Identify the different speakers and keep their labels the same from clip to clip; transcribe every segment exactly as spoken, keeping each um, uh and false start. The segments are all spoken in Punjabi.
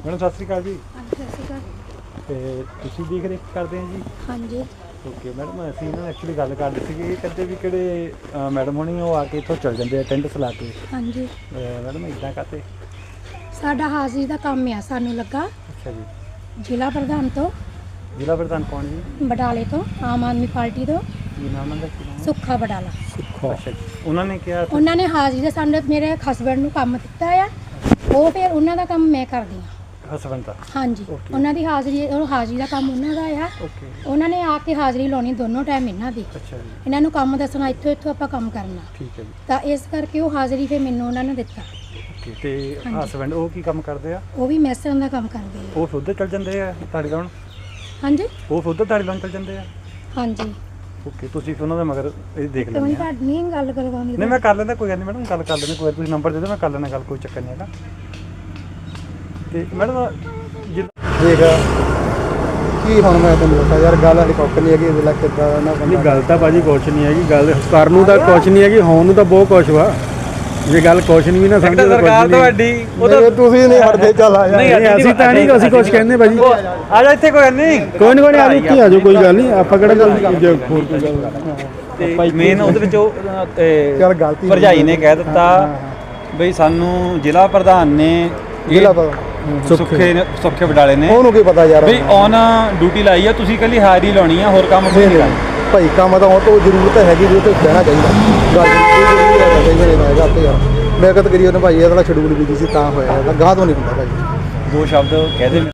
Speaker 1: मैडम सत श्री अकाल जी।
Speaker 2: हाँ जी सत श्री अकाल।
Speaker 1: ਤੇ ਤੁਸੀਂ ਦੇਖ ਰੇਖ ਕਰਦੇ ਆ ਜੀ?
Speaker 2: हाँ जी
Speaker 1: ਓਕੇ ਮੈਡਮ, ਅਸੀਂ ਨਾ ਐਕਚੁਅਲੀ ਗੱਲ ਕਰਦੇ ਸੀਗੇ ਕਹਿੰਦੇ ਵੀ ਕਿਹੜੇ ਮੈਡਮ ਹੋਣੀ ਉਹ ਆ ਕੇ ਇੱਥੋਂ ਚੱਲ ਜਾਂਦੇ ਆ ਅਟੈਂਡੈਂਸ ਲਾ ਕੇ।
Speaker 2: हाँ जी
Speaker 1: ਮੈਡਮ ਇੱਦਾਂ ਕਾਤੇ?
Speaker 2: साडा हाजिरी दा काम आ सानू लगा
Speaker 1: ਅੱਛਾ ਜੀ।
Speaker 2: ਜ਼ਿਲ੍ਹਾ ਪ੍ਰਧਾਨ ਤੋਂ
Speaker 1: ਜ਼ਿਲ੍ਹਾ ਪ੍ਰਧਾਨ ਕੌਣ ਜੀ?
Speaker 2: ਬਡਾਲੇ ਤੋਂ ਆਮ ਆਦਮੀ ਪਾਰਟੀ ਤੋਂ
Speaker 1: ਕੀ ਨਾਮ ਉਹਨਾਂ ਦਾ? ਕੀ ਨਾਮ?
Speaker 2: ਸੁੱਖਾ ਬਡਾਲਾ।
Speaker 1: ਸੁੱਖਾ। ਅੱਛਾ ਜੀ। ਉਹਨਾਂ ਨੇ ਕਿਹਾ
Speaker 2: ਉਹਨਾਂ ਨੇ ਹਾਜ਼ਰੀ ਦਾ ਸਾਨੂੰ ਮੇਰੇ ਹਸਬੈਂਡ ਨੂੰ ਕੰਮ ਦਿੱਤਾ ਆ, ਉਹ ਫਿਰ ਉਹਨਾਂ ਦਾ ਕੰਮ ਮੈਂ ਕਰਦੀ ਹਾਂ।
Speaker 1: ਹਸਬੈਂਡ ਦਾ?
Speaker 2: ਹਾਂਜੀ
Speaker 1: Okay.
Speaker 2: ਉਹਨਾਂ ਦੀ ਹਾਜ਼ਰੀ ਉਹ ਹਾਜ਼ਰੀ ਦਾ ਕੰਮ ਉਹਨਾਂ ਦਾ ਆ।
Speaker 1: ਓਕੇ।
Speaker 2: ਉਹਨਾਂ ਨੇ ਆ ਕੇ ਹਾਜ਼ਰੀ ਲਾਉਣੀ ਦੋਨੋਂ ਟਾਈਮ ਇਹਨਾਂ ਦੀ।
Speaker 1: ਅੱਛਾ ਜੀ।
Speaker 2: ਇਹਨਾਂ ਨੂੰ ਕੰਮ ਦੱਸਣਾ ਇੱਥੋਂ ਇੱਥੋਂ ਆਪਾਂ ਕੰਮ ਕਰਨਾ,
Speaker 1: ਠੀਕ ਹੈ ਜੀ।
Speaker 2: ਤਾਂ ਇਸ ਕਰਕੇ ਉਹ ਹਾਜ਼ਰੀ ਫਿਰ ਮੈਨੂੰ ਉਹਨਾਂ ਨੇ ਦਿੱਤਾ।
Speaker 1: ਓਕੇ। ਤੇ
Speaker 2: ਹਾਂਜੀ।
Speaker 1: ਹਸਬੈਂਡ ਉਹ ਕੀ ਕੰਮ ਕਰਦੇ ਆ?
Speaker 2: ਉਹ ਵੀ ਮੈਸਰਾਂ ਦਾ ਕੰਮ ਕਰਦੇ ਆ।
Speaker 1: ਉਹ ਫਿਰ ਉੱਧਰ ਚੱਲ ਜਾਂਦੇ ਆ ਤਾੜੀ ਲਾਉਣ?
Speaker 2: ਹਾਂਜੀ
Speaker 1: ਉਹ ਫਿਰ ਉੱਧਰ ਤਾੜੀ ਲਾਉਣ ਚੱਲ ਜਾਂਦੇ ਆ?
Speaker 2: ਹਾਂਜੀ।
Speaker 1: ਓਕੇ। ਤੁਸੀਂ ਫਿਰ ਉਹਨਾਂ ਦਾ ਮਗਰ ਇਹ ਦੇਖ
Speaker 2: ਤੇ
Speaker 1: ਲੈਂਦੇ ਆ?
Speaker 2: ਤੁਹਾਡੀ ਨਹੀਂ ਗੱਲ ਕਰਵਾਉਣੀ।
Speaker 1: ਨਹੀਂ ਮੈਂ ਕਰ ਲੈਂਦਾ, ਕੋਈ ਗੱਲ ਨਹੀਂ ਮੈਡਮ, ਗੱਲ ਕਰ ਲੈਂਦੇ। ਕੋਈ ਤੁਸੀਂ ਨੰਬਰ ਦੇ ਦਿਓ, ਮੈਂ ਕਰ ਲੈਣਾ ਗੱਲ, ਕੋਈ ਚੱਕਰ ਨਹੀਂ ਹੈਗਾ। ਤੇ ਮੈਡਮ
Speaker 3: ਠੀਕ ਆ ਕੀ ਹੁਣ ਮੈਂ ਤੈਨੂੰ ਦੱਸਾਂ ਯਾਰ, ਗੱਲ ਹੈਲੀਕਾਪਟਰ ਨਹੀਂ ਹੈਗੀ, ਵੇਲਾ ਕਿੱਦਾਂ ਨਾ
Speaker 4: ਨਹੀਂ ਗੱਲ ਤਾਂ ਭਾਜੀ ਕੁਛ ਨਹੀਂ ਹੈਗੀ, ਗੱਲ ਕਰਨ ਨੂੰ ਤਾਂ ਕੁਛ ਨਹੀਂ ਹੈਗੀ, ਹੋਣ ਨੂੰ ਤਾਂ ਬਹੁਤ ਕੁਛ ਵਾ। ਜੇ ਗੱਲ ਕੁਛ ਨਹੀਂ ਵੀ ਨਾ ਸਮਝੋ ਤਾਂ
Speaker 1: ਸਰਕਾਰ ਤੁਹਾਡੀ
Speaker 3: ਉਹ ਤੁਸੀਂ ਨਹੀਂ ਹਟਦੇ, ਚੱਲ ਆ
Speaker 4: ਨਹੀਂ ਅਸੀਂ ਤਾਂ ਨਹੀਂ ਅਸੀਂ ਕੁਛ ਕਹਿੰਦੇ ਭਾਜੀ।
Speaker 1: ਆ ਜਾ ਇੱਥੇ, ਕੋਈ ਨਹੀਂ,
Speaker 4: ਕੋਈ ਨਹੀਂ ਕੋਈ ਨਹੀਂ, ਆ ਜਾਓ ਇੱਥੇ ਆ ਜਾਓ, ਕੋਈ ਗੱਲ ਨਹੀਂ, ਆਪਾਂ ਕਿਹੜਾ ਗੱਲ ਹੋਰ ਕੋਈ ਗੱਲ।
Speaker 1: ਤੇ ਮੇਨ ਉਹਦੇ ਵਿੱਚ ਉਹ
Speaker 3: ਚੱਲ ਗਲਤੀ
Speaker 1: ਭਰਜਾਈ ਨੇ ਕਹਿ ਦਿੱਤਾ ਬਈ ਸਾਨੂੰ ਜ਼ਿਲ੍ਹਾ ਪ੍ਰਧਾਨ ਨੇ
Speaker 3: ਜ਼ਿਲ੍ਹਾ ਪਤਾ
Speaker 1: ਸੁੱਖੇ ਨੇ ਸੁੱਖੇ ਵਡਾਲੇ ਨੇ
Speaker 3: ਉਹਨੂੰ ਕੀ ਪਤਾ ਯਾਰ,
Speaker 1: ਬਈ ਔਨ ਡਿਊਟੀ ਲਾਈ ਆ, ਤੁਸੀਂ ਕੱਲੀ ਹਾਜ਼ਰੀ ਲਾਉਣੀ ਆ, ਹੋਰ ਕੰਮ ਕੋਈ ਨਹੀਂ ਕਰਨਾ।
Speaker 3: ਭਾਈ ਕੰਮ ਤਾਂ ਉਹ ਤੋਂ ਜ਼ਰੂਰਤ ਹੈਗੀ ਵੀ ਉਹ ਤੇ ਕਹਿਣਾ ਚਾਹੀਦਾ ਗੱਲ ਜ਼ਰੂਰੀ ਹੈ ਕਈ ਵਾਰੀ ਨਾ ਗੱਲ ਤੇ ਯਾਰ ਮੈਂ ਕਹਤ ਕਰੀ ਉਹਨੇ ਭਾਈ ਇਹਦਾ ਸ਼ਡਿਊਲ ਵੀ ਸੀ ਤਾਂ ਹੋਇਆ, ਇਹਦਾ ਗਾਹ ਤੋਂ ਨਹੀਂ ਹੁੰਦਾ ਭਾਈ।
Speaker 1: ਦੋ ਸ਼ਬਦ ਕਹਿ ਦੇ।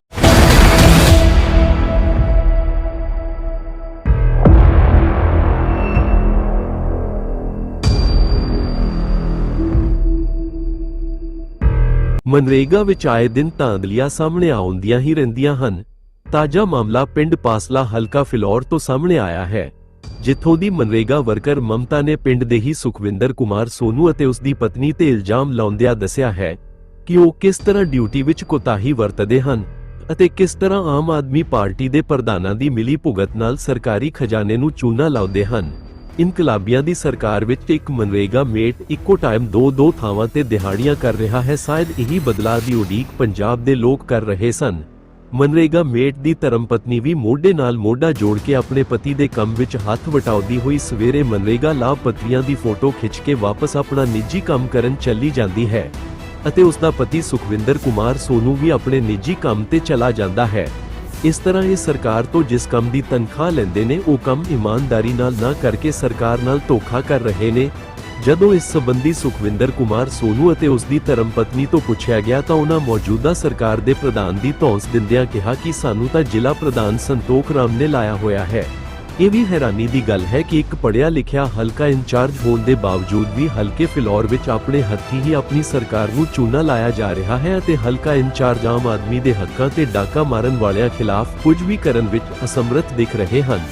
Speaker 5: ਮਨਰੇਗਾ ਵਿੱਚ ਆਏ ਦਿਨ ਧਾਂਦਲੀਆਂ ਸਾਹਮਣੇ ਆਉਂਦੀਆਂ ਹੀ ਰਹਿੰਦੀਆਂ ਹਨ। ਤਾਜ਼ਾ ਮਾਮਲਾ ਪਿੰਡ ਪਾਸਲਾ ਹਲਕਾ ਫਿਲੌਰ ਤੋਂ ਸਾਹਮਣੇ ਆਇਆ ਹੈ, ਜਿੱਥੋਂ ਦੀ ਮਨਰੇਗਾ ਵਰਕਰ ਮਮਤਾ ਨੇ ਪਿੰਡ ਦੇ ਹੀ ਸੁਖਵਿੰਦਰ ਕੁਮਾਰ ਸੋਨੂ ਅਤੇ ਉਸ ਦੀ ਪਤਨੀ ਤੇ ਇਲਜ਼ਾਮ ਲਾਉਂਦਿਆਂ ਦੱਸਿਆ ਹੈ ਕਿ ਉਹ ਕਿਸ ਤਰ੍ਹਾਂ ਡਿਊਟੀ ਵਿੱਚ ਕੋਤਾਹੀ ਵਰਤਦੇ ਹਨ ਅਤੇ ਕਿਸ ਤਰ੍ਹਾਂ ਆਮ ਆਦਮੀ ਪਾਰਟੀ ਦੇ ਪ੍ਰਧਾਨਾਂ ਦੀ ਮਿਲੀ ਭੁਗਤ ਨਾਲ ਸਰਕਾਰੀ ਖਜ਼ਾਨੇ ਨੂੰ ਚੂਨਾ ਲਾਉਂਦੇ ਹਨ। ਇਨਕਲਾਬੀਆਂ ਦੀ ਸਰਕਾਰ ਵਿੱਚ ਇੱਕ ਮਨਰੇਗਾ ਮੇਟ ਇੱਕੋ ਟਾਈਮ ਦੋ ਦੋ ਥਾਵਾਂ ਤੇ ਦਿਹਾੜੀਆਂ ਕਰ ਰਿਹਾ ਹੈ। ਸ਼ਾਇਦ ਇਹੀ ਬਦਲਾਅ ਦੀ ਉਡੀਕ ਪੰਜਾਬ ਦੇ ਲੋਕ ਕਰ ਰਹੇ ਸਨ। ਮਨਰੇਗਾ ਮੇਟ ਦੀ ਧਰਮਪਤਨੀ ਵੀ ਮੋਢੇ ਨਾਲ ਮੋਢਾ ਜੋੜ ਕੇ ਆਪਣੇ ਪਤੀ ਦੇ ਕੰਮ ਵਿੱਚ ਹੱਥ ਵਟਾਉਂਦੀ ਹੋਈ ਸਵੇਰੇ ਮਨਰੇਗਾ ਲਾਭਪਾਤਰੀਆਂ ਦੀ ਫੋਟੋ ਖਿੱਚ ਕੇ ਵਾਪਸ ਆਪਣਾ ਨਿੱਜੀ ਕੰਮ ਕਰਨ ਚੱਲੀ ਜਾਂਦੀ ਹੈ ਅਤੇ ਉਸ ਦਾ ਪਤੀ ਸੁਖਵਿੰਦਰ ਕੁਮਾਰ ਸੋਨੂ ਵੀ ਆਪਣੇ ਨਿੱਜੀ ਕੰਮ ਤੇ ਚਲਾ ਜਾਂਦਾ ਹੈ। ਇਸ ਤਰ੍ਹਾਂ ਇਹ ਸਰਕਾਰ ਤੋਂ ਜਿਸ ਕੰਮ ਦੀ ਤਨਖਾਹ ਲੈਂਦੇ ਨੇ ਉਹ ਕੰਮ ਇਮਾਨਦਾਰੀ ਨਾਲ ਨਾ ਕਰਕੇ ਸਰਕਾਰ ਨਾਲ ਧੋਖਾ ਕਰ ਰਹੇ ਨੇ। ਜਦੋਂ ਇਸ ਸੰਬੰਧੀ ਸੁਖਵਿੰਦਰ ਕੁਮਾਰ ਸੋਨੂ ਅਤੇ ਉਸ ਦੀ ਧਰਮਪਤਨੀ ਤੋਂ ਪੁੱਛਿਆ ਗਿਆ ਤਾਂ ਉਹਨਾਂ ਮੌਜੂਦਾ ਸਰਕਾਰ ਦੇ ਪ੍ਰਧਾਨ ਦੀ ਧੌਂਸ ਦਿੰਦਿਆਂ ਕਿਹਾ ਕਿ ਸਾਨੂੰ ਤਾਂ ਜ਼ਿਲ੍ਹਾ ਪ੍ਰਧਾਨ ਸੰਤੋਖ ਰਾਮ ਨੇ ਲਾਇਆ ਹੋਇਆ ਹੈ। ਇਹ ਵੀ ਹੈਰਾਨੀ ਦੀ ਗੱਲ ਹੈ ਕਿ ਇੱਕ ਪੜ੍ਹਿਆ ਲਿਖਿਆ ਹਲਕਾ ਇੰਚਾਰਜ ਹੋਣ ਦੇ ਬਾਵਜੂਦ ਵੀ ਹਲਕੇ ਫਿਲੌਰ ਵਿੱਚ ਆਪਣੇ ਹੱਥੀਂ ਹੀ ਆਪਣੀ ਸਰਕਾਰ ਨੂੰ ਚੂਨਾ ਲਾਇਆ ਜਾ ਰਿਹਾ ਹੈ ਅਤੇ ਹਲਕਾ ਇੰਚਾਰਜ ਆਮ ਆਦਮੀ ਦੇ ਹੱਕਾਂ ਤੇ ਡਾਕਾ ਮਾਰਨ ਵਾਲਿਆਂ ਖਿਲਾਫ ਕੁਝ ਵੀ ਕਰਨ ਵਿੱਚ ਅਸਮਰੱਥ ਦਿਖ ਰਹੇ ਹਨ।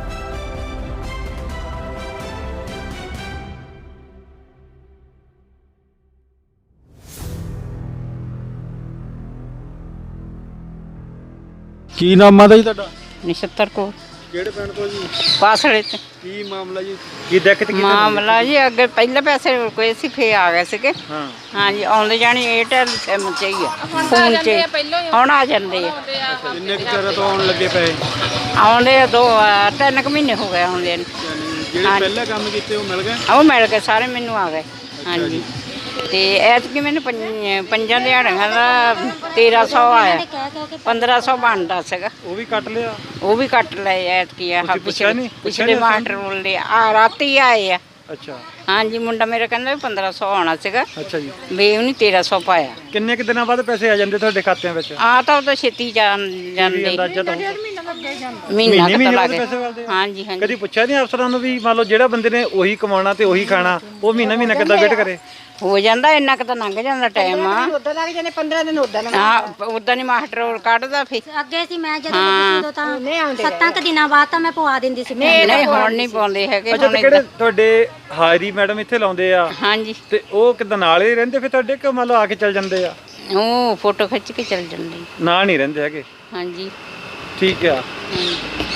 Speaker 4: ਕੀ ਨਾਮ ਆਦਾ ਜੀ ਤੁਹਾਡਾ?
Speaker 6: ਨਛੱਤਰ ਕੋ
Speaker 4: ਕਿਹੜੇ ਪਿੰਡ ਤੋਂ ਜੀ?
Speaker 6: ਪਾਸੜੇ ਤੇ
Speaker 4: ਕੀ ਮਾਮਲਾ ਜੀ?
Speaker 1: ਕੀ ਦਿੱਕਤ ਕੀ?
Speaker 6: ਮਾਮਲਾ ਜੀ ਅੱਗੇ ਪਹਿਲੇ ਪੈਸੇ ਕੋਈ ਸੀ ਫੇ ਆ ਗਏ ਸੀਗੇ।
Speaker 1: ਹਾਂ
Speaker 6: ਹਾਂਜੀ ਆਉਂਦੇ ਜਾਣੀ ਏਅਰਟੈਲ ਸਿਮ ਚ ਹੀ ਆ, ਫੋਨ ਚ ਹੁਣ ਆ ਜਾਂਦੇ ਆ।
Speaker 4: ਕਿੰਨੇ ਕੁ ਚਿਰ ਤੋਂ ਆਉਣ ਲੱਗੇ ਪਏ?
Speaker 6: ਆਉਂਦੇ ਆ ਦੋ ਅਹ ਤਿੰਨ ਕੁ ਮਹੀਨੇ ਹੋ ਗਏ ਆਉਂਦੇ ਨੂੰ।
Speaker 4: ਜਿਹੜੇ ਪਹਿਲਾਂ ਕੰਮ ਕੀਤੇ ਉਹ ਮਿਲ ਗਏ?
Speaker 6: ਉਹ ਮਿਲ ਗਏ ਸਾਰੇ, ਮੈਨੂੰ ਆ ਗਏ। ਹਾਂਜੀ ਤੇ ਐਤਕੀ ਮੈਨੂੰ ਪੰਜ- ਪੰਜਾਂ ਦਿਹਾੜੀਆਂ ਦਾ ਤੇਰਾਂ ਸੌ ਆਇਆ, ਪੰਦਰਾਂ ਸੌ ਬਣਦਾ ਸੀਗਾ,
Speaker 1: ਉਹ ਵੀ ਕੱਟ ਲਿਆ?
Speaker 6: ਉਹ ਵੀ ਕੱਟ ਲਏ ਐਤਕੀ ਆ।
Speaker 1: ਤੁਸੀਂ ਪੁੱਛਿਆ ਨਹੀਂ? ਪੁੱਛਿਆ
Speaker 6: ਪਿਛਲੇ
Speaker 1: ਨਹੀਂ
Speaker 6: ਮਾਸਟਰ ਬੋਲਦੇ ਆ ਰਾਤੀ ਆਏ ਆ।
Speaker 1: ਅੱਛਾ
Speaker 6: ਹਾਂਜੀ ਮੁੰਡਾ ਮੇਰਾ ਕਹਿੰਦਾ ਵੀ ਪੰਦਰਾਂ ਸੌ ਆਉਣਾ ਸੀਗਾ,
Speaker 1: ਅੱਛਾ ਜੀ।
Speaker 6: ਵੀ ਉਹਨੇ ਤੇਰਾਂ ਸੌ ਪਾਇਆ।
Speaker 1: ਕਿੰਨੇ ਕੁ ਦਿਨਾਂ ਬਾਅਦ ਪੈਸੇ ਆ ਜਾਂਦੇ ਤੁਹਾਡੇ ਖਾਤਿਆਂ ਵਿੱਚ?
Speaker 6: ਆ ਤਾਂ ਉਹ ਤਾਂ ਛੇਤੀ ਜਾਣ ਜਾਂਦੇ,
Speaker 1: ਅੰਦਾਜ਼ਾ ਤਾਂ
Speaker 6: ਮਹੀਨਾ
Speaker 1: ਮਹੀਨੇ
Speaker 6: ਕੁ
Speaker 1: ਮਹੀਨੇ
Speaker 6: ਤਾਂ
Speaker 1: ਬਾਅਦ
Speaker 6: ਲੱਗ
Speaker 1: ਪੈਸੇ ਵੱਲਦੇ ਆ?
Speaker 6: ਹਾਂਜੀ ਹਾਂਜੀ।
Speaker 1: ਕਦੀ ਪੁੱਛਿਆ ਨਹੀਂ ਅਫਸਰਾਂ ਨੂੰ ਵੀ ਮੰਨ ਲਓ ਜਿਹੜਾ ਬੰਦੇ ਨੇ ਉਹੀ ਕਮਾਉਣਾ ਤੇ ਉਹੀ ਖਾਣਾ, ਉਹ ਮਹੀਨਾ ਮਹੀਨਾ ਕਿੱਦਾਂ ਵੇਟ ਕਰੇ?
Speaker 6: ਹੋ ਜਾਂਦਾ ਇੰਨਾ ਕੁ ਤਾਂ ਲੰਘ ਜਾਂਦਾ ਟਾਈਮ ਆ।
Speaker 7: ਉਦਾਂ ਲੱਗ ਜਾਂਦੇ ਪੰਦਰਾਂ ਦਿਨ ਉਦਾਂ ਲੱਗ
Speaker 6: ਹਾਂ ਉਦਾਂ ਨਹੀਂ ਮਾਸਟਰ ਕੱਢਦਾ ਫੇ।
Speaker 2: ਅੱਗੇ ਸੀ ਮੈਂ ਜਦੋਂ ਲੱਗੀ ਉਦੋਂ ਤਾਂ ਸੱਤਾਂ ਕੁ ਦਿਨਾਂ ਬਾਅਦ ਤਾਂ ਮੈਂ ਪਵਾ ਦਿੰਦੀ ਸੀ।
Speaker 6: ਨਹੀਂ ਹੁਣ ਨਹੀਂ ਪਾਉਂਦੇ ਹੈਗੇ।
Speaker 1: ਅੱਛਾ
Speaker 6: ਹੁਣ
Speaker 1: ਤੇ ਕਿਹੜੇ
Speaker 6: ਏਦਾਂ-
Speaker 1: ਤੁਹਾਡੇ ਹਾਜ਼ਰੀ ਮੈਡਮ ਇੱਥੇ ਲਾਉਂਦੇ ਆ
Speaker 6: ਹਾਂਜੀ
Speaker 1: ਤੇ ਉਹ ਕਿੱਦਾਂ ਨਾਲ ਹੀ ਰਹਿੰਦੇ ਫਿਰ ਤੁਹਾਡੇ ਕਿ ਮੰਨ ਲਓ ਆ ਕੇ ਚੱਲ ਜਾਂਦੇ ਆ?
Speaker 6: ਉਹ ਫੋਟੋ ਖਿੱਚ ਕੇ ਚੱਲ ਜਾਂਦੇ।
Speaker 1: ਨਾਲ ਨਹੀਂ ਰਹਿੰਦੇ ਹੈਗੇ?
Speaker 6: ਹਾਂਜੀ
Speaker 1: ਠੀਕ ਆ।
Speaker 6: ਹਾਂਜੀ।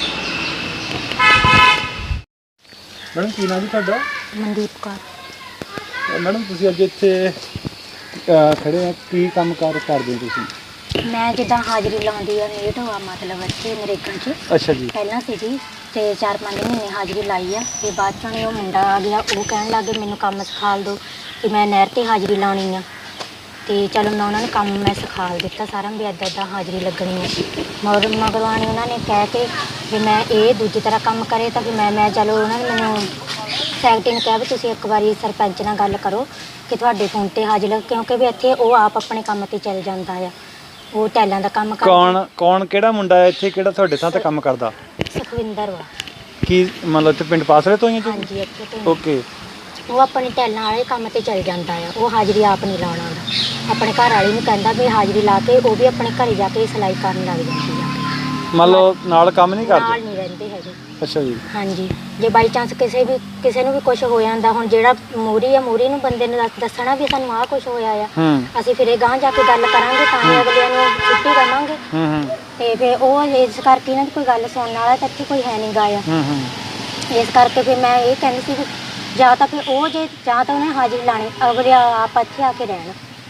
Speaker 1: ਮੈਡਮ ਕੀ ਨਾਮ ਜੀ ਤੁਹਾਡਾ?
Speaker 2: ਮਨਦੀਪ ਕੌਰ।
Speaker 1: ਮੈਡਮ ਤੁਸੀਂ ਅੱਜ ਇੱਥੇ ਅਹ, ਖੜੇ ਆ, ਕੀ ਕੰਮ ਕਾਰ ਕਰਦੇ ਹੋ ਤੁਸੀਂ?
Speaker 2: ਮੈਂ ਜਿੱਦਾਂ ਹਾਜ਼ਰੀ ਲਾਉਂਦੀ ਆ ਮੇਟ ਹੋਆ ਮਤਲਬ ਇੱਥੇ ਨਰੇਗਾ 'ਚ
Speaker 1: ਅੱਛਾ ਜੀ।
Speaker 2: ਪਹਿਲਾਂ ਸੀਗੀ ਤੇ ਚਾਰ ਪੰਜ ਮਹੀਨੇ ਹਾਜ਼ਰੀ ਲਾਈ ਆ ਤੇ ਬਾਅਦ ਚੋਂ ਉਹ ਮੁੰਡਾ ਆ ਗਿਆ, ਉਹ ਕਹਿਣ ਲੱਗੇ ਮੈਨੂੰ ਕੰਮ ਸਿਖਾ ਦਿਓ ਕਿ ਮੈਂ ਨਹਿਰ ਤੇ ਹਾਜ਼ਰੀ ਲਾਉਣੀ ਆ। ਤੇ ਚਲੋ ਮੈਂ ਉਹਨਾਂ ਨੂੰ ਕੰਮ ਮੈਂ ਸਿਖਾ ਦਿੱਤਾ ਸਾਰਾ ਵੀ ਇੱਦਾਂ ਇੱਦਾਂ ਹਾਜ਼ਰੀ ਲੱਗਣੀ ਹੈ। ਮਗਰ ਮਗਰਵਾਣੀ ਉਹਨਾਂ ਨੇ ਕਹਿ ਕੇ ਵੀ ਮੈਂ ਇਹ ਦੂਜੀ ਤਰ੍ਹਾਂ ਕੰਮ ਕਰੇ ਤਾਂ ਵੀ ਮੈਂ ਮੈਂ ਚਲੋ ਉਹਨਾਂ ਨੇ ਮੈਨੂੰ ਸੈਕਟਰੀ ਨੇ ਕਿਹਾ ਵੀ ਤੁਸੀਂ ਇੱਕ ਵਾਰੀ ਸਰਪੰਚ ਨਾਲ ਗੱਲ ਕਰੋ ਕਿ ਤੁਹਾਡੇ ਫੋਨ ਤੇ ਹਾਜ਼ਰੀ, ਕਿਉਂਕਿ ਵੀ ਇੱਥੇ ਉਹ ਆਪ ਆਪਣੇ ਕੰਮ ਤੇ ਚੱਲ ਜਾਂਦਾ ਆ, ਉਹ ਟੈਲਾਂ ਦਾ ਕੰਮ ਕਰਦਾ।
Speaker 1: ਕੌਣ ਕੌਣ ਕਿਹੜਾ ਮੁੰਡਾ ਹੈ ਇੱਥੇ ਕਿਹੜਾ ਤੁਹਾਡੇ ਸਾਹ ਤੇ ਕੰਮ ਕਰਦਾ?
Speaker 2: ਸੁਖਵਿੰਦਰ ਵਾ।
Speaker 1: ਕੀ ਮਤਲਬ ਇੱਥੇ ਪਿੰਡ ਪਾਸਲੇ ਤੋਂ ਹੀ ਹੈ?
Speaker 2: ਹਾਂਜੀ ਇੱਥੇ ਤੋਂ
Speaker 1: ਓਕੇ।
Speaker 2: ਉਹ ਆਪਣੇ ਟੈਲਾਂ ਵਾਲੇ ਕੰਮ ਤੇ ਚੱਲ ਜਾਂਦਾ ਆ, ਉਹ ਹਾਜ਼ਰੀ ਆਪ ਨਹੀਂ ਲਾਉਣਾ ਆਉਂਦਾ। ਆਪਣੇ ਘਰ ਵਾਲੀ ਨੂੰ ਕਹਿੰਦਾ ਵੀ ਹਾਜ਼ਰੀ ਲਾ ਕੇ ਉਹ ਵੀ ਆਪਣੇ ਘਰੇ ਜਾ ਕੇ ਸਿਲਾਈ ਕਰਨ ਲੱਗ ਜਾਂਦੀ ਆ।
Speaker 1: ਮੰਨ ਲਓ ਨਾਲ ਕੰਮ ਨਹੀਂ
Speaker 2: ਨਾਲ
Speaker 1: ਕਰਦੇ?
Speaker 2: ਨਹੀਂ ਰਹਿੰਦੇ ਹੈਗੇ।
Speaker 1: ਅੱਛਾ ਜੀ।
Speaker 2: ਹਾਂਜੀ, ਜੇ ਬਾਈ ਚਾਂਸ ਕਿਸੇ ਵੀ ਕਿਸੇ ਨੂੰ ਵੀ ਕੁਝ ਹੋ ਜਾਂਦਾ, ਹੁਣ ਜਿਹੜਾ ਮੂਰੀ ਆ ਮੂਰੀ ਨੂੰ ਬੰਦੇ ਨੂੰ ਦੱਸ- ਦੱਸਣਾ ਵੀ ਸਾਨੂੰ ਆਹ ਕੁਝ ਹੋਇਆ ਆ,
Speaker 1: ਹੂੰ
Speaker 2: ਅਸੀਂ ਫਿਰ ਇਹ ਗਾਂਹ ਜਾ ਕੇ ਗੱਲ ਕਰਾਂਗੇ ਤਾਂ ਹੀ ਅਗਲਿਆਂ ਨੂੰ ਛੁੱਟੀ ਦੇਵਾਂਗੇ।
Speaker 1: ਹੂੰ ਹੂੰ
Speaker 2: ਤੇ ਫਿਰ ਉਹ ਇਸ ਕਰਕੇ ਇਹਨਾਂ ਦੀ ਕੋਈ ਗੱਲ ਸੁਣਨ ਵਾਲਾ ਤਾਂ ਇੱਥੇ ਕੋਈ ਹੈ ਨਹੀਂ ਗਾ ਆ।
Speaker 1: ਹੂੰ ਹੂੰ
Speaker 2: ਇਸ ਕਰਕੇ ਫਿਰ ਮੈਂ ਇਹ ਕਹਿੰਦੀ ਸੀ ਵੀ ਜਾਂ ਤਾਂ ਫਿਰ ਉਹ ਜੇ ਜਾਂ ਤਾਂ ਉਹਨੇ ਹਾਜ਼ਰੀ ਲਾਣੀ ਅਗਲੇ ਆਪ ਇੱਥੇ ਆ ਕੇ ਰਹਿਣ।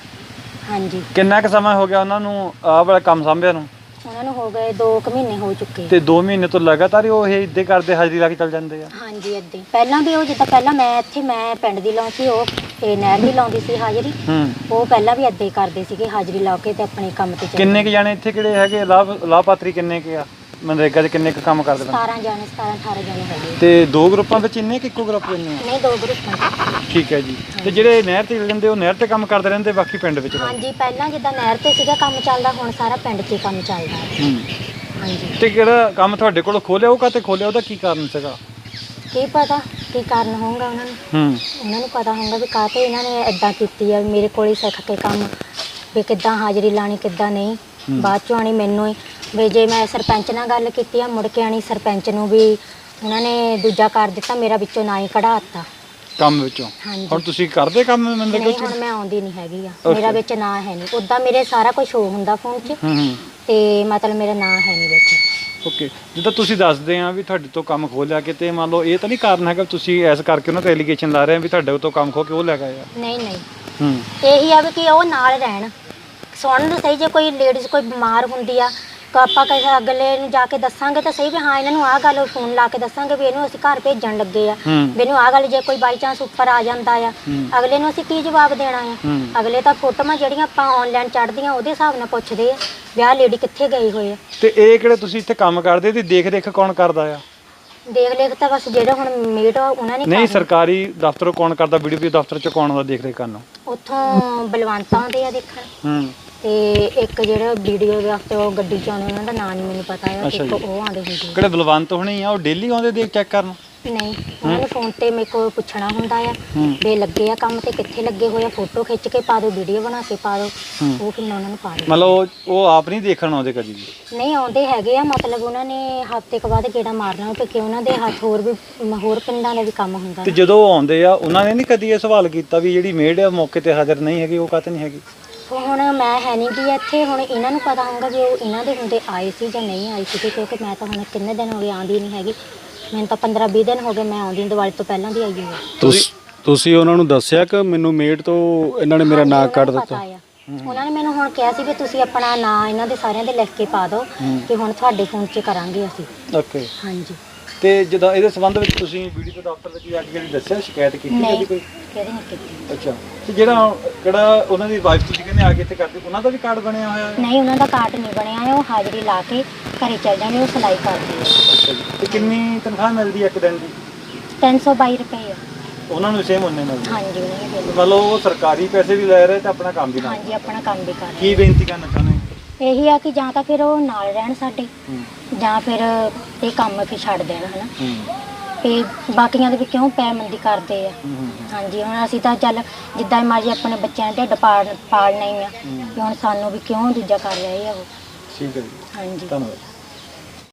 Speaker 2: ਹਾਂਜੀ,
Speaker 1: ਕਿੰਨਾ ਕੁ ਸਮਾਂ ਹੋ ਗਿਆ ਉਹਨਾਂ ਨੂੰ ਆਹ ਵਾਲਾ ਕੰਮ ਸੰਭਿਆ ਨੂੰ?
Speaker 2: ਉਹਨਾਂ ਨੂੰ ਹੋ ਗਏ ਦੋ ਕੁ ਮਹੀਨੇ ਹੋ ਚੁੱਕੇ।
Speaker 1: ਤੇ ਦੋ ਮਹੀਨੇ ਤੋਂ ਲਗਾਤਾਰ ਹੀ ਉਹ ਇਹ ਇੱਦਾਂ ਕਰਦੇ ਹਾਜ਼ਰੀ ਲਾ ਕੇ ਚੱਲ ਜਾਂਦੇ ਆ?
Speaker 2: ਹਾਂਜੀ ਏਦਾਂ ਹੀ। ਪਹਿਲਾਂ ਵੀ ਉਹ ਜਿੱਦਾਂ ਪਹਿਲਾਂ ਮੈਂ ਇੱਥੇ ਮੈਂ ਪਿੰਡ ਦੀ ਲਾਉਂਦੀ ਸੀ, ਉਹ ਤੇ ਨਹਿਰ ਦੀ ਲਾਉਂਦੀ ਸੀ ਹਾਜ਼ਰੀ।
Speaker 1: ਹੂੰ।
Speaker 2: ਉਹ ਪਹਿਲਾਂ ਵੀ ਏਦਾਂ ਹੀ ਕਰਦੇ ਸੀਗੇ, ਹਾਜ਼ਰੀ ਲਾ ਕੇ ਤੇ ਆਪਣੇ ਕੰਮ ਤੇ ਚੱਲ
Speaker 1: ਕਿੰਨੇ ਕੁ ਜਾਣੇ ਇੱਥੇ ਕਿਹੜੇ ਹੈਗੇ ਲਾਭ ਲਾਭਪਾਤਰੀ ਕਿੰਨੇ ਕੁ ਆ ਮਨਰੇਗਾ 'ਚ ਕਿੰਨੇ ਕੁ ਕੰਮ ਕਰਦੇ ਬੰਦੇ?
Speaker 2: ਸਤਾਰਾਂ ਜਾਣੇ ਸਤਾਰਾਂ ਅਠਾਰਾਂ ਜਾਣੇ ਹੈਗੇ।
Speaker 1: ਤੇ ਦੋ ਗਰੁੱਪਾਂ ਵਿੱਚ ਇੰਨੇ ਕਿ ਇੱਕੋ ਗਰੁੱਪ ਇੰਨੇ ਆ?
Speaker 2: ਨਹੀਂ, ਦੋ ਗਰੁੱਪਾਂ।
Speaker 1: ਠੀਕ ਹੈ ਜੀ। ਤੇ ਜਿਹੜੇ ਨਹਿਰ ਤੇ ਜਾਂਦੇ ਉਹ ਨਹਿਰ ਤੇ ਕੰਮ ਕਰਦੇ ਰਹਿੰਦੇ, ਬਾਕੀ ਪਿੰਡ ਵਿੱਚ ਕਰਦੇ?
Speaker 2: ਹਾਂਜੀ, ਪਹਿਲਾਂ ਜਿੱਦਾਂ ਨਹਿਰ ਤੇ ਸੀਗਾ ਕੰਮ ਚੱਲਦਾ, ਹੁਣ ਸਾਰਾ ਪਿੰਡ 'ਚ ਹੀ ਕੰਮ ਚੱਲਦਾ।
Speaker 1: ਹੂੰ।
Speaker 2: ਹਾਂਜੀ,
Speaker 1: ਤੇ ਕਿਹੜਾ ਕੰਮ ਤੁਹਾਡੇ ਕੋਲ ਖੋਲਿਆ ਉਹ ਕਾਤੇ ਖੋਲਿਆ, ਉਹਦਾ ਕੀ ਕਾਰਨ ਸੀਗਾ?
Speaker 2: ਕੀ ਪਤਾ ਕੀ ਕਾਰਨ ਹੋਊਗਾ ਉਹਨਾਂ ਨੂੰ,
Speaker 1: ਹੂੰ।
Speaker 2: ਉਹਨਾਂ ਨੂੰ ਪਤਾ ਹੋਊਗਾ ਵੀ ਕਾਹਤੇ ਇਹਨਾਂ ਨੇ ਇਦਾਂ ਕੀਤੀ ਆ, ਮੇਰੇ ਕੋਲ ਹੀ ਸਿੱਖ ਕੇ ਕੰਮ ਵੀ ਕਿੱਦਾਂ ਹਾਜ਼ਰੀ ਲਾਣੀ ਕਿੱਦਾਂ ਨਹੀਂ। ਬਾਅਦ ਚੋਂ ਆਣੀ ਮੈਨੂੰ ਹੀ ਵੀ ਜੇ ਮੈਂ ਸਰਪੰਚ ਨਾਲ ਗੱਲ ਕੀਤੀ ਆ, ਮੁੜ ਕੇ ਆਣੀ ਸਰਪੰਚ ਨੂੰ ਵੀ ਉਹਨਾਂ ਨੇ ਦੂਜਾ ਕਰ ਦਿੱਤਾ, ਮੇਰਾ ਵਿੱਚੋਂ ਨਾ ਹੀ ਕਢਾ ਦਿੱਤਾ
Speaker 1: ਕੰਮ ਵਿੱਚੋਂ।
Speaker 2: ਹਾਂਜੀ।
Speaker 1: ਹੁਣ ਤੁਸੀਂ ਕਰਦੇ ਕੰਮ ਮਨਰੇਗਾ
Speaker 2: ਨਹੀਂ,
Speaker 1: 'ਚ?
Speaker 2: ਹੁਣ ਮੈਂ ਆਉਂਦੀ ਨਹੀਂ ਹੈਗੀ ਆ,
Speaker 1: Okay.
Speaker 2: ਮੇਰਾ ਵਿੱਚ ਨਾਂ ਹੈ ਨਹੀਂ। ਉੱਦਾਂ ਮੇਰੇ ਸਾਰਾ ਕੁਝ ਸ਼ੋ ਹੁੰਦਾ ਫੋਨ 'ਚ
Speaker 1: ਹੂੰ ਹੂੰ।
Speaker 2: ਤੇ ਮਤਲਬ ਮੇਰਾ ਨਾਂ ਹੈ ਨਹੀਂ ਵਿੱਚ।
Speaker 1: ਓਕੇ। ਜਿੱਦਾਂ ਤੁਸੀਂ ਦੱਸਦੇ ਆ ਵੀ ਤੁਹਾਡੇ ਤੋਂ ਕੰਮ ਖੋਹ ਲਿਆ ਕਿਤੇ, ਮੰਨ ਲਓ ਇਹ ਤਾਂ ਨਹੀਂ ਕਾਰਨ ਹੈਗਾ ਤੁਸੀਂ ਐਸ ਕਰਕੇ ਉਹਨਾਂ ਤੇ ਐਲੀਗੇਸ਼ਨ ਲਾ ਰਹੇ ਆ ਵੀ ਤੁਹਾਡੇ ਤੋਂ ਕੰਮ ਖੋ ਕੇ ਉਹ ਲੈ ਗਏ ਆ?
Speaker 2: ਨਹੀਂ ਨਹੀਂ,
Speaker 1: ਹੂੰ।
Speaker 2: ਇਹੀ ਆ ਵੀ ਕਿ ਉਹ ਨਾਲ ਰਹਿਣ, ਸੁਣਨ ਨੂੰ ਸਹੀ। ਜੇ ਕੋਈ ਲੇਡੀਜ਼ ਕੋਈ ਬਿਮਾਰ ਹੁੰਦੀ ਆ ਤਾਂ ਆਪਾਂ ਕਿਸੇ ਅਗਲੇ ਨੂੰ ਜਾ ਕੇ ਦੱਸਾਂਗੇ ਤਾਂ ਸਹੀ ਵੀ ਹਾਂ ਇਹਨਾਂ ਨੂੰ ਆਹ ਗੱਲ ਫੋਨ ਲਾ ਕੇ ਦੱਸਾਂਗੇ ਵੀ ਇਹਨੂੰ ਅਸੀਂ ਘਰ ਭੇਜਣ ਲੱਗੇ ਆ,
Speaker 1: ਹੂੰ।
Speaker 2: ਵੀ ਇਹਨੂੰ ਆਹ ਗੱਲ ਜੇ ਕੋਈ ਬਾਈ ਚਾਂਸ ਉੱਪਰ ਆ ਜਾਂਦਾ ਆ,
Speaker 1: ਹੂੰ।
Speaker 2: ਅਗਲੇ ਨੂੰ ਅਸੀਂ ਕੀ ਜਵਾਬ ਦੇਣਾ ਆ?
Speaker 1: ਹੂੰ।
Speaker 2: ਅਗਲੇ ਤਾਂ ਫੋਟੋਆਂ ਜਿਹੜੀਆਂ ਆਪਾਂ ਆਨਲਾਈਨ ਚੜ੍ਹਦੀਆਂ ਉਹਦੇ ਹਿਸਾਬ ਨਾਲ ਪੁੱਛਦੇ ਆ ਵੀ ਆਹ ਲੇਡੀ ਕਿੱਥੇ ਗਈ ਹੋਈ ਆ।
Speaker 1: ਤੇ ਇਹ ਕਿਹੜੇ ਤੁਸੀਂ ਇੱਥੇ ਕੰਮ ਕਰਦੇ ਤੇ ਦੇਖ ਰੇਖ ਕੌਣ ਕਰਦਾ ਆ?
Speaker 2: ਦੇਖ ਲੇਖ ਤਾਂ ਬਸ ਜਿਹੜੇ ਹੁਣ ਮੇਟ ਆ ਉਹਨਾਂ ਨੇ
Speaker 1: ਨਹੀਂ,
Speaker 2: ਕਰਨੀ।
Speaker 1: ਸਰਕਾਰੀ ਦਫ਼ਤਰੋਂ ਕੌਣ ਕਰਦਾ? ਵੀਡੀਓ ਦਫ਼ਤਰ ਚ ਕੌਣ ਆਉਂਦਾ ਦੇਖ ਰੇਖ ਕਰਨ?
Speaker 2: ਉੱਥੋਂ ਬਲਵੰਤ ਆਉਂਦੇ ਆ ਦੇਖਣ,
Speaker 1: ਹੂੰ।
Speaker 2: ਤੇ ਇੱਕ ਜਿਹੜਾ ਵੀਡੀਓ ਦੇ ਹਫਤੇ ਉਹ ਗੱਡੀ ਚ ਆਉਂਦੇ ਉਹਨਾਂ ਦਾ ਨਾਂ ਨਹੀਂ ਮੈਨੂੰ ਪਤਾ ਆ,
Speaker 1: ਅੱਛਾ
Speaker 2: ਇੱਕ
Speaker 1: ਜੀ।
Speaker 2: ਉਹ ਆਉਂਦੇ ਹੁੰਦੇ ਆ।
Speaker 1: ਕਿਹੜੇ ਬਲਵੰਤ ਹੋਣੀ ਆ ਉਹ ਡੇਲੀ ਆਉਂਦੇ ਦੇਖ ਚੈੱਕ ਕਰਨ?
Speaker 2: ਨਹੀਂ, ਉਹਨਾਂ ਨੇ ਫੋਨ ਤੇ ਮੇਰੇ ਕੋਲ ਪੁੱਛਣਾ ਹੁੰਦਾ ਆ
Speaker 1: ਹੂੰ।
Speaker 2: ਵੀ ਲੱਗੇ ਆ ਕੰਮ ਤੇ ਕਿੱਥੇ ਲੱਗੇ ਹੋਏ ਆ, ਫੋਟੋ ਖਿੱਚ ਕੇ ਪਾ ਦਿਓ, ਵੀਡੀਓ ਬਣਾ ਕੇ ਪਾ ਦਿਓ,
Speaker 1: ਹੂੰ।
Speaker 2: ਉਹ ਫਿਰ ਮੈਂ ਉਹਨਾਂ ਨੂੰ ਪਾ ਦਿੰਦੀ।
Speaker 1: ਮਤਲਬ ਉਹ- ਉਹ ਆਪ ਨਹੀਂ ਦੇਖਣ ਆਉਂਦੇ ਕਦੀ ਵੀ?
Speaker 2: ਨਹੀਂ, ਆਉਂਦੇ ਹੈਗੇ ਆ, ਮਤਲਬ ਉਹਨਾਂ ਨੇ ਹਫਤੇ ਕੁ ਬਾਅਦ ਗੇੜਾ ਮਾਰਨਾ ਤੇ ਕਿ ਉਹਨਾਂ ਦੇ ਹੱਥ ਹੋਰ ਵੀ ਹੋਰ ਪਿੰਡਾਂ ਦਾ ਵੀ ਕੰਮ ਹੁੰਦਾ
Speaker 1: ਤੇ
Speaker 2: ਨਾ।
Speaker 1: ਜਦੋਂ ਉਹ ਆਉਂਦੇ ਆ ਉਹਨਾਂ ਨੇ ਨਹੀਂ ਕਦੀ ਇਹ ਸਵਾਲ ਕੀਤਾ ਵੀ ਜਿਹੜੀ ਮੇਡ ਆ ਮੌਕੇ ਤੇ ਹਾਜ਼ਰ ਨਹੀਂ ਹੈਗੀ ਉਹ ਕਾਹਤੇ ਨਹੀਂ ਹੈਗੀ?
Speaker 2: ਹੁਣ ਮੈਂ ਹੈ ਨਹੀਂ ਗਈ ਇੱਥੇ, ਹੁਣ ਇਹਨਾਂ ਨੂੰ ਪਤਾ ਹੋਊਗਾ ਵੀ ਉਹ ਇਹਨਾਂ ਦੇ ਹੁੰਦੇ ਆਏ ਸੀ ਜਾਂ ਨਹੀਂ ਆਏ ਸੀ, ਕਿਉਂਕਿ ਮੈਂ ਤਾਂ ਹੁਣ ਕਿੰਨੇ ਦਿਨ ਹੋ ਗਏ ਆਉਂਦੀ ਨਹੀਂ ਹੈਗੀ। ਮੈਨੂੰ ਤਾਂ ਪੰਦਰਾਂ ਵੀਹ ਦਿਨ ਹੋ ਗਏ ਮੈਂ ਆਉਂਦੀ, ਦੀਵਾਲੀ ਤੋਂ ਪਹਿਲਾਂ ਦੀ ਆਈ ਹੋਈ ਆ।
Speaker 4: ਤੁਸੀਂ ਤੁਸੀਂ ਉਹਨਾਂ ਨੂੰ ਦੱਸਿਆ ਕਿ ਮੈਨੂੰ ਮੇਡ ਤੋਂ ਇਹਨਾਂ ਨੇ ਮੇਰਾ ਨਾਂ
Speaker 2: ਹਾਂਜੀ,
Speaker 4: ਕੱਢ
Speaker 2: ਉਹਨਾਂ ਨੂੰ
Speaker 4: ਦਿੱਤਾ?
Speaker 2: ਪਤਾ ਆ। ਉਹਨਾਂ ਨੇ ਮੈਨੂੰ ਹੁਣ ਕਿਹਾ ਸੀ ਵੀ ਤੁਸੀਂ ਆਪਣਾ ਨਾਂ ਇਹਨਾਂ ਦੇ ਸਾਰਿਆਂ ਦੇ ਲਿਖ ਕੇ ਪਾ ਦਿਓ ਕਿ ਹੁਣ ਤੁਹਾਡੇ ਫੋਨ 'ਚ ਕਰਾਂਗੇ ਅਸੀਂ।
Speaker 1: ਓਕੇ।
Speaker 2: ਹਾਂਜੀ।
Speaker 1: ਤੇ ਜਦੋਂ ਇਹਦੇ ਸੰਬੰਧ ਵਿੱਚ ਤੁਸੀਂ ਵੀਡੀਓ ਦਫ਼ਤਰ ਵਿੱਚ ਜਾ ਕੇ ਜਿਹੜੀ ਦੱਸਿਆ ਸ਼ਿਕਾਇਤ ਕੀਤੀ
Speaker 2: ਨਹੀਂ,
Speaker 1: ਕਦੀ ਕੋਈ?
Speaker 2: ਕਿਹਦੇ ਨਹੀਂ ਕੀਤੀ।
Speaker 1: ਅੱਛਾ। ਤੇ ਜਿਹੜਾ ਕਿਹੜਾ ਉਹਨਾਂ ਦੀ ਵਾਈਫ ਤੁਸੀਂ ਕਹਿੰਦੇ ਆ ਕੇ ਇੱਥੇ ਕਰਦੇ, ਉਹਨਾਂ ਦਾ ਵੀ ਕਾਰਡ ਬਣਿਆ ਹੋਇਆ ਹੈ?
Speaker 2: ਨਹੀਂ, ਉਹਨਾਂ ਦਾ ਕਾਰਡ ਨਹੀਂ ਬਣਿਆ ਹੈ, ਉਹ ਹਾਜ਼ਰੀ ਲਾ ਕੇ ਘਰੇ ਚੱਲ ਜਾਂਦੇ, ਉਹ ਸਿਲਾਈ ਕਰਦੇ ਆ।
Speaker 1: ਅੱਛਾ ਜੀ। ਤੇ ਕਿੰਨੀ ਤਨਖਾਹ ਮਿਲਦੀ ਹੈ ਇੱਕ ਦਿਨ ਦੀ?
Speaker 2: ਤਿੰਨ ਸੌ ਬਾਈ ਰੁਪਏ ਆ।
Speaker 1: ਉਹਨਾਂ ਨੂੰ ਸੇਮ ਉਹਨੇ ਮਿਲਦੀ?
Speaker 2: ਹਾਂਜੀ, ਉਹਨਾਂ ਨੇ ਬਿੱਲ।
Speaker 1: ਮਤਲਬ ਉਹ ਸਰਕਾਰੀ ਪੈਸੇ ਵੀ ਲੈ ਰਹੇ ਤੇ ਆਪਣਾ ਕੰਮ ਵੀ ਨਾਲ?
Speaker 2: ਹਾਂਜੀ, ਆਪਣਾ ਕੰਮ ਵੀ ਕਰ ਰਹੇ।
Speaker 1: ਕੀ ਬੇਨਤੀ ਕਰਨਾ ਚਾਹੁੰਦੇ?
Speaker 2: ਇਹੀ ਆ ਕਿ ਜਾਂ ਤਾਂ ਫਿਰ ਉਹ ਨਾਲ ਰਹਿਣ ਸਾਡੇ,
Speaker 1: ਹੂੰ।
Speaker 2: ਜਾਂ ਫਿਰ ਇਹ ਕੰਮ ਫਿਰ ਛੱਡ ਦੇਣ, ਹਨਾ।
Speaker 1: ਹੂੰ।
Speaker 2: ਤੇ ਬਾਕੀਆਂ ਦੇ ਵੀ ਕਿਉਂ ਪੈਮੰਦੀ ਕਰਦੇ ਆ।
Speaker 1: ਹੂੰ।
Speaker 2: ਹਾਂਜੀ, ਹੁਣ ਅਸੀਂ ਤਾਂ ਚੱਲ ਜਿੱਦਾਂ ਮਰਜ਼ੀ ਆਪਣੇ ਬੱਚਿਆਂ ਦੇ ਢਿੱਡ ਪਾਲ ਪਾਲਣਾ ਹੀ ਆ, ਤੇ ਹੁਣ ਸਾਨੂੰ ਵੀ ਕਿਉਂ ਦੂਜਾ ਕਰ ਰਹੇ ਆ ਉਹ।
Speaker 1: ਠੀਕ ਹੈ ਜੀ,
Speaker 2: ਹਾਂਜੀ।
Speaker 1: ਧੰਨਵਾਦ।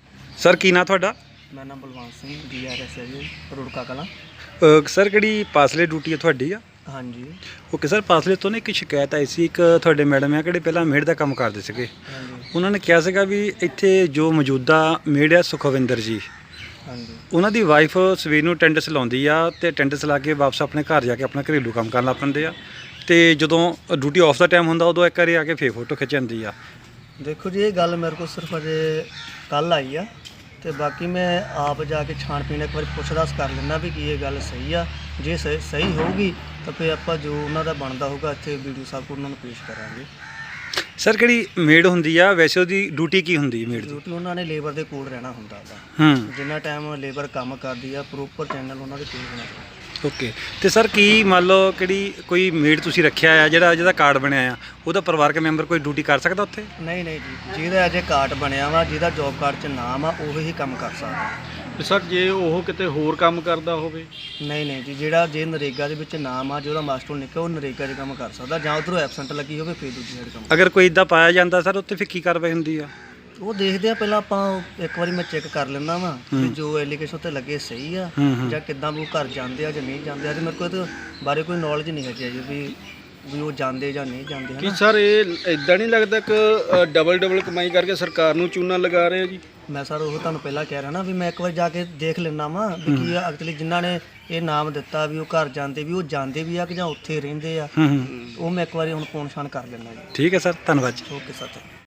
Speaker 1: ਸਰ ਕੀ ਨਾਂ ਤੁਹਾਡਾ?
Speaker 8: ਮੇਰਾ ਨਾਮ Balwant Singh D R S ਹੈ ਜੀ, ਰੁੜਕਾ ਕਲਾਂ।
Speaker 1: ਸਰ ਕਿਹੜੀ ਪਾਸਲੇ ਡਿਊਟੀ ਹੈ ਤੁਹਾਡੀ ਆ?
Speaker 8: ਹਾਂਜੀ
Speaker 1: ਓਕੇ ਸਰ, ਪਾਸਲੇ ਤੋਂ ਨਾ ਇੱਕ ਸ਼ਿਕਾਇਤ ਆਈ ਸੀ, ਇੱਕ ਤੁਹਾਡੇ ਮੈਡਮ ਆ ਕਿਹੜੇ ਪਹਿਲਾਂ ਮੇਡ ਦਾ ਕੰਮ ਕਰਦੇ ਸੀਗੇ,
Speaker 8: ਹਾਂਜੀ
Speaker 1: ਉਹਨਾਂ ਨੇ ਕਿਹਾ ਸੀਗਾ ਵੀ ਇੱਥੇ ਜੋ ਮੌਜੂਦਾ ਮੇਡ ਆ ਸੁਖਵਿੰਦਰ ਜੀ,
Speaker 8: ਹਾਂਜੀ
Speaker 1: ਉਹਨਾਂ ਦੀ ਵਾਈਫ ਸਵੇਰ ਨੂੰ ਅਟੈਂਡੈਂਸ ਲਾਉਂਦੀ ਆ ਤੇ ਅਟੈਂਡੈਂਸ ਲਾ ਕੇ ਵਾਪਸ ਆਪਣੇ ਘਰ ਜਾ ਕੇ ਆਪਣਾ ਘਰੇਲੂ ਕੰਮ ਕਰਨ ਲੱਗ ਪੈਂਦੇ ਆ। ਤੇ ਜਦੋਂ ਡਿਊਟੀ ਆਫ ਦਾ ਟਾਈਮ ਹੁੰਦਾ ਉਦੋਂ ਇੱਕ ਵਾਰੀ ਆ ਕੇ ਫੇਰ ਫੋਟੋ ਖਿੱਚ ਜਾਂਦੀ ਆ।
Speaker 8: ਦੇਖੋ ਜੀ ਇਹ ਗੱਲ ਮੇਰੇ ਕੋਲ ਸਿਰਫ ਅਜੇ ਕੱਲ ਆਈ ਆ ਤੇ ਬਾਕੀ ਮੈਂ ਆਪ ਜਾ ਕੇ ਛਾਣਪੀਣ ਇੱਕ ਵਾਰੀ ਪੁੱਛ-ਦੱਸ ਕਰ ਲੈਂਦਾ ਵੀ ਕੀ ਇਹ ਗੱਲ ਸਹੀ ਆ। ਜੇ ਸਹੀ ਸਹੀ ਹੋਊਗੀ ਤਾਂ ਫਿਰ ਆਪਾਂ ਜੋ ਉਹਨਾਂ ਦਾ ਬਣਦਾ ਹੋਊਗਾ ਇੱਥੇ ਵੀਡੀਓ ਸਾਹਿਬ ਕੋਲ ਉਹਨਾਂ ਨੂੰ ਪੇਸ਼ ਕਰਾਂਗੇ।
Speaker 1: ਸਰ ਕਿਹੜੀ ਮੇਡ ਹੁੰਦੀ ਆ ਵੈਸੇ ਉਹਦੀ ਡਿਊਟੀ ਕੀ ਹੁੰਦੀ ਹੈ ਮੇਡ ਦੀ?
Speaker 8: ਡਿਊਟੀ ਉਹਨਾਂ ਨੇ ਲੇਬਰ ਦੇ ਕੋਲ ਰਹਿਣਾ ਹੁੰਦਾ ਵਾ।
Speaker 1: ਹੂੰ
Speaker 8: ਜਿੰਨਾ ਟਾਈਮ ਲੇਬਰ ਕੰਮ ਕਰਦੀ ਆ ਪ੍ਰੋਪਰ ਚੈਨਲ ਉਹਨਾਂ ਦੇ ਕੋਲ ਹੋਣਾ ਚਾਹੀਦਾ।
Speaker 1: ਓਕੇ। ਤੇ ਸਰ ਕੀ ਮੰਨ ਲਓ ਕਿਹੜੀ ਕੋਈ ਮੇਡ ਤੁਸੀਂ ਰੱਖਿਆ ਆ ਜਿਹੜਾ ਜਿਹਦਾ ਕਾਰਡ ਬਣਿਆ ਆ ਉਹਦਾ ਪਰਿਵਾਰਕ ਮੈਂਬਰ ਕੋਈ ਡਿਊਟੀ ਕਰ ਸਕਦਾ ਉੱਥੇ?
Speaker 8: ਨਹੀਂ ਨਹੀਂ ਜੀ, ਜਿਹਦਾ ਅਜੇ ਕਾਰਡ ਬਣਿਆ ਵਾ, ਜਿਹਦਾ ਜੋਬ ਕਾਰਡ 'ਚ ਨਾਮ ਆ, ਉਹ ਹੀ ਕੰਮ ਕਰ ਸਕਦਾ।
Speaker 4: ਸਰ ਜੇ ਉਹ ਕਿਤੇ ਹੋਰ ਕੰਮ ਕਰਦਾ ਹੋਵੇ?
Speaker 8: ਨਹੀਂ ਨਹੀਂ ਜੀ, ਜਿਹੜਾ ਜੇ ਨਰੇਗਾ ਦੇ ਵਿੱਚ ਨਾਮ ਆ, ਜਿਹਦਾ ਮਾਸਟਰ ਨਿਕਲਿਆ ਉਹ ਨਰੇਗਾ 'ਚ ਕੰਮ ਕਰ ਸਕਦਾ, ਜਾਂ ਉੱਧਰੋਂ ਐਬਸੈਂਟ ਲੱਗੀ ਹੋਵੇ ਫਿਰ ਦੂਜੀ ਸਾਈਡ ਕੰਮ।
Speaker 1: ਅਗਰ ਕੋਈ ਇਦਾਂ ਪਾਇਆ ਜਾਂਦਾ ਸਰ ਉੱਥੇ ਫਿਰ ਕੀ ਕਾਰਵਾਈ ਹੁੰਦੀ ਆ?
Speaker 8: ਉਹ ਦੇਖਦੇ ਆ ਪਹਿਲਾਂ ਆਪਾਂ ਇੱਕ ਵਾਰੀ ਮੈਂ ਚੈੱਕ ਕਰ ਲੈਂਦਾ ਵਾਂ ਕਿ ਜੋ ਐਲੀਗੇਸ਼ਨ ਤੇ ਲੱਗੇ ਸਹੀ ਆ ਜਾਂ ਕਿੱਦਾਂ ਵੀ ਉਹ ਘਰ ਜਾਂਦੇ ਆ ਜਾਂ ਨਹੀਂ ਜਾਂਦੇ ਆ। ਤੇ ਮੇਰੇ ਕੋਲ ਇਹਦੇ ਬਾਰੇ ਕੋਈ ਨੌਲੇਜ ਨਹੀਂ ਹੈਗੀ ਜੀ ਵੀ ਵੀ ਉਹ ਜਾਂਦੇ ਜਾਂ ਨਹੀਂ ਜਾਂਦੇ
Speaker 4: ਕੀ
Speaker 8: ਹਨ।
Speaker 4: ਸਰ ਇਹ ਇਦਾਂ ਨਹੀਂ ਲੱਗਦਾ ਕਿ ਡਬਲ ਡਬਲ ਕਮਾਈ ਕਰਕੇ ਸਰਕਾਰ ਨੂੰ ਚੂਨਾ ਲਗਾ ਰਹੇ ਆ ਜੀ?
Speaker 8: ਮੈਂ ਸਰ ਉਹ ਤੁਹਾਨੂੰ ਪਹਿਲਾਂ ਕਹਿ ਰਿਹਾ ਨਾ ਵੀ ਮੈਂ ਇੱਕ ਵਾਰ ਜਾ ਕੇ ਦੇਖ ਲੈਣਾ ਵਾਂ ਵੀ ਕੀ ਆ ਐਕਚੁਅਲੀ ਜਿਨ੍ਹਾਂ ਨੇ ਇਹ ਨਾਮ ਦਿੱਤਾ ਵੀ ਉਹ ਘਰ ਜਾਂਦੇ ਵੀ ਉਹ ਜਾਂਦੇ ਵੀ ਆ ਕਿ ਜਾਂ ਉੱਥੇ ਰਹਿੰਦੇ ਆ।
Speaker 1: ਹੂੰ ਹੂੰ
Speaker 8: ਉਹ ਮੈਂ ਇੱਕ ਵਾਰੀ ਹੁਣ ਪੌਣ ਛਾਣ ਕਰ ਲੈਣਾ ਜੀ।
Speaker 1: ਠੀਕ ਹੈ ਸਰ, ਧੰਨਵਾਦ ਜੀ।
Speaker 8: Okay sir.